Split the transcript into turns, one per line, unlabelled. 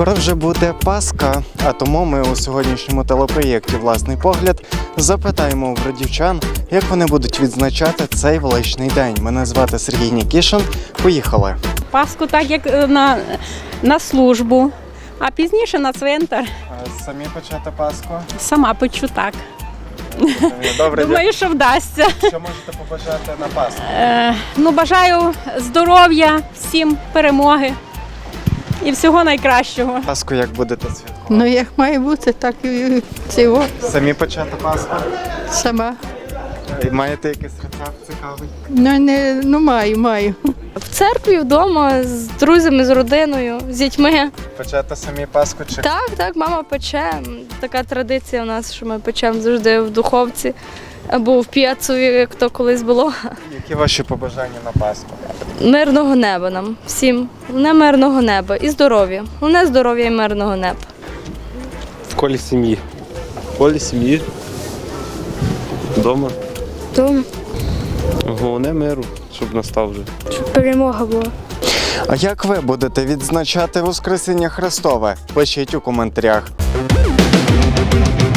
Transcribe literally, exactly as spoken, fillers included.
Скоро вже буде Пасха, а тому ми у сьогоднішньому телепроєкті «Власний погляд» запитаємо у бродівчан, як вони будуть відзначати цей величний день. Мене звати Сергій Нікішин. Поїхали!
Пасху так, як на, на службу, а пізніше на цвинтар.
Самі почати Пасху?
Сама печу так.
Добре,
Думаю, що вдасться.
що можете побажати на Пасху?
Е, ну, бажаю здоров'я, всім перемоги і всього найкращого.
Пасху як будете святкувати?
Ну, як має бути, так і цього
Самі почати Пасху?
сама.
Маєте якийсь рецепт цікавий?
Ну, не, ну маю, маю.
В церкві, вдома, з друзями, з родиною, з дітьми.
Почати самі Пасху чи?
Так, так, мама пече. Така традиція у нас, що ми печемо завжди в духовці або в п'єцові, як то колись було.
Які ваші побажання на Пасху?
Мирного неба нам всім. Головне мирного неба і здоров'я. Головне здоров'я і мирного неба.
В колі сім'ї. В колі сім'ї. Вдома.
Тому
Головне миру, щоб настав вже.
щоб перемога була.
А як ви будете відзначати Воскресіння Христове? Пишіть у коментарях.